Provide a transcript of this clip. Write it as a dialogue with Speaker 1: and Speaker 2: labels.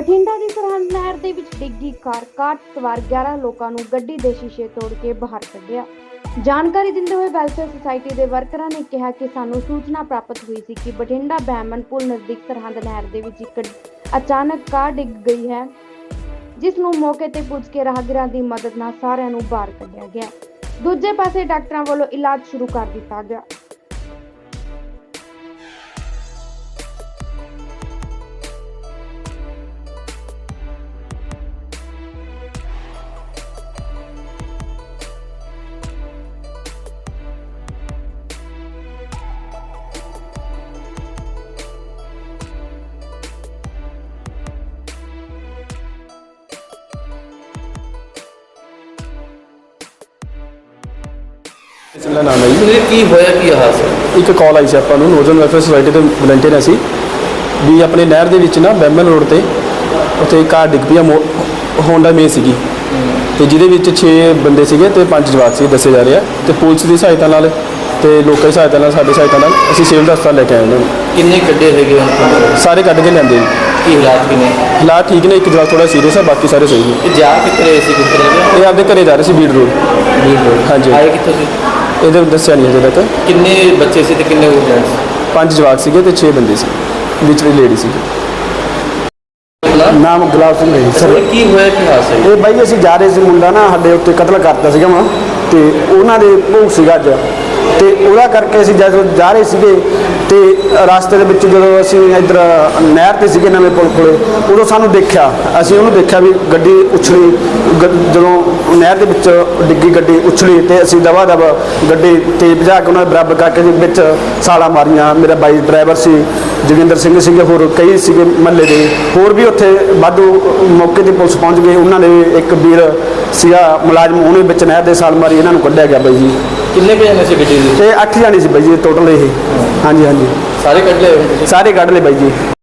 Speaker 1: ਬਠਿੰਡਾ ਦੀ ਸਰਹੰਦ ਨਹਿਰ ਦੇ ਵਿੱਚ ਡਿੱਗੀ ਕਾਰ ਸਵਾਰ 11 ਲੋਕਾਂ ਨੂੰ ਗੱਡੀ ਦੇ ਸ਼ੀਸ਼ੇ ਤੋੜ ਕੇ ਬਾਹਰ ਕੱਢਿਆ। ਜਾਣਕਾਰੀ ਦਿੰਦੇ ਹੋਏ ਵੈਲਫੇਅਰ ਸੁਸਾਇਟੀ ਦੇ ਵਰਕਰਾਂ ਨੇ ਕਿਹਾ ਕਿ ਸਾਨੂੰ ਸੂਚਨਾ ਪ੍ਰਾਪਤ ਹੋਈ ਸੀ ਕਿ ਬਠਿੰਡਾ ਬਹਿਮਨ ਪੁਲ ਨਜ਼ਦੀਕ ਸਰਹੰਦ ਨਹਿਰ ਦੇ ਵਿੱਚ ਇੱਕ ਅਚਾਨਕ ਕਾਰ ਡਿੱਗ ਗਈ ਹੈ, ਜਿਸ ਨੂੰ ਮੌਕੇ ਤੇ ਪੁੱਜ ਕੇ ਰਾਹਗੀਰਾਂ ਦੀ ਮਦਦ ਨਾਲ ਸਾਰਿਆਂ ਨੂੰ ਬਾਹਰ ਕੱਢਿਆ ਗਿਆ। ਦੂਜੇ ਪਾਸੇ ਡਾਕਟਰਾਂ ਵੱਲੋਂ ਇਲਾਜ ਸ਼ੁਰੂ ਕਰ ਦਿੱਤਾ ਗਿਆ।
Speaker 2: इसका नाम है जी।
Speaker 3: की होया की हादसा
Speaker 2: एक कॉल आई सी ਆਪਾਂ ਨੂੰ ਨੌਜਵਾਨ ਵੈਲਫੇਅਰ ਸੁਸਾਇਟੀ ਦੇ ਵਲੰਟੀਅਰ ਅਸੀਂ ਵੀ ਆਪਣੇ ਨਹਿਰ ਦੇ ਵਿੱਚ ਨਾ ਬੈਮਨ ਰੋਡ ਤੇ ਉੱਥੇ ਕਾਰ ਡਿੱਗ ਪਈ ਹੋਂਡਾ ਮੇ ਸੀਗੀ ਤੇ ਜਿਹਦੇ ਵਿੱਚ 6 ਬੰਦੇ ਸੀਗੇ ਤੇ 5 ਜਵਾਕ ਸੀ ਦੱਸੇ ਜਾ ਰਹੇ ਆ ਤੇ ਪੁਲਿਸ ਦੀ ਸਹਾਇਤਾ ਨਾਲ ਤੇ ਲੋਕਾਂ ਦੀ ਸਹਾਇਤਾ ਨਾਲ ਸਾਡੀ ਸਹਾਇਤਾ ਨਾਲ ਅਸੀਂ ਸਿਵਲ ਹਸਪਤਾਲ ਲੈ ਕੇ ਆਏ ਉਹਨਾਂ ਨੂੰ।
Speaker 3: ਕਿੰਨੇ ਕੱਢੇ ਹੈਗੇ
Speaker 2: ਸਾਰੇ ਕੱਢ ਕੇ ਲੈਂਦੇ ਜੀ।
Speaker 3: ਕੀ ਹਾਲਾਤ ਕਿਨੇ
Speaker 2: ਹਾਲਾਤ ਠੀਕ ਨੇ, ਇੱਕ ਜਵਾਕ ਥੋੜਾ ਸੀਰੀਅਸ ਆ, ਬਾਕੀ ਸਾਰੇ ਸਹੀ ਨੇ।
Speaker 3: ਇਹ ਜਾ ਕਿੱਥੇ ਰਹੇ ਸੀ ਕਿੱਥੇ ਰਹੇ
Speaker 2: ਇਹ ਆਪਦੇ ਘਰੇ ਜਾ ਰਹੇ ਸੀ ਬੀੜ ਰੋਡ। ਹਾਂਜੀ।
Speaker 3: ਆਏ ਕਿੱਥੋਂ ਸੀ?
Speaker 2: ਇਹਦੇ ਦੱਸਿਆ ਨਹੀਂ ਅਜੇ ਤੱਕ।
Speaker 3: ਕਿੰਨੇ ਬੱਚੇ ਸੀ ਤੇ ਕਿੰਨੇ ਉਹ ਜੈਂਟਸ?
Speaker 2: 5 ਜਵਾਕ ਸੀਗੇ ਤੇ 6 ਬੰਦੇ ਸੀ, ਵਿੱਚ ਵੀ ਲੇਡੀ ਸੀ।
Speaker 4: ਨਾਮ ਗੁਲਾਬ ਸਿੰਘ ਹੈ ਸਰ।
Speaker 3: ਕੀ ਹੋਇਆ ਕੀ ਹਾਦਸਾ
Speaker 4: ਇਹ ਬਾਈ ਅਸੀਂ ਜਾ ਰਹੇ ਸੀ, ਮੁੰਡਾ ਨਾ ਸਾਡੇ ਉੱਤੇ ਕਤਲ ਕਰਤਾ ਸੀਗਾ ਵਾ ਤੇ ਉਹਨਾਂ ਦੇ ਭੋਗ ਸੀਗਾ ਅੱਜ ਤੇ ਉਹਦਾ ਕਰਕੇ ਅਸੀਂ ਜਦੋਂ ਜਾ ਰਹੇ ਸੀਗੇ ਤੇ ਰਸਤੇ ਦੇ ਵਿੱਚ ਜਦੋਂ ਅਸੀਂ ਇੱਧਰ ਨਹਿਰ ਤੇ ਸੀਗੇ ਨਵੇਂ ਪੁਲ ਕੋਲੇ, ਉਦੋਂ ਸਾਨੂੰ ਦੇਖਿਆ, ਅਸੀਂ ਉਹਨੂੰ ਦੇਖਿਆ ਵੀ ਗੱਡੀ ਉਛਲੀ। ਜਦੋਂ ਨਹਿਰ ਦੇ ਵਿੱਚ ਡਿੱਗੀ ਗੱਡੀ ਉਛਲੀ ਤੇ ਅਸੀਂ ਦਵਾ ਦਵ ਗੱਡੀ ਤੇਜ਼ ਭਜਾ ਕੇ ਉਹਨਾਂ ਦੇ ਬਰਾਬਰ ਕਰਕੇ ਵਿੱਚ ਛਾਲਾਂ ਮਾਰੀਆਂ। ਮੇਰਾ ਬਾਈ ਡਰਾਈਵਰ ਸੀ, ਜੋਗਿੰਦਰ ਸਿੰਘ ਸੀਗੇ, ਹੋਰ ਕਈ ਸੀਗੇ ਮਹੱਲੇ ਦੇ, ਹੋਰ ਵੀ ਉੱਥੇ ਵਾਧੂ ਮੌਕੇ ਤੇ ਪੁਲਿਸ ਪਹੁੰਚ ਗਈ। ਉਹਨਾਂ ਨੇ ਇੱਕ ਵੀਰ ਸੀਗਾ ਮੁਲਾਜ਼ਮ, ਉਹਨੇ ਵਿੱਚ ਨਹਿਰ ਦੇ ਛਾਲ ਮਾਰੀ, ਇਹਨਾਂ ਨੂੰ ਕੱਢਿਆ ਗਿਆ ਬਾਈ ਜੀ।
Speaker 3: ਕਿੰਨੇ ਕੁ ਜਣੇ ਸੀ ਗੱਡੀ ਦੇ?
Speaker 4: ਤੇ 8 ਜਾਣੇ ਸੀ ਬਾਈ ਜੀ ਟੋਟਲ ਇਹ। ਹਾਂਜੀ ਹਾਂਜੀ
Speaker 3: ਸਾਰੇ ਕੱਢ ਲਏ?
Speaker 4: ਸਾਰੇ ਕੱਢ ਲਏ ਬਾਈ ਜੀ।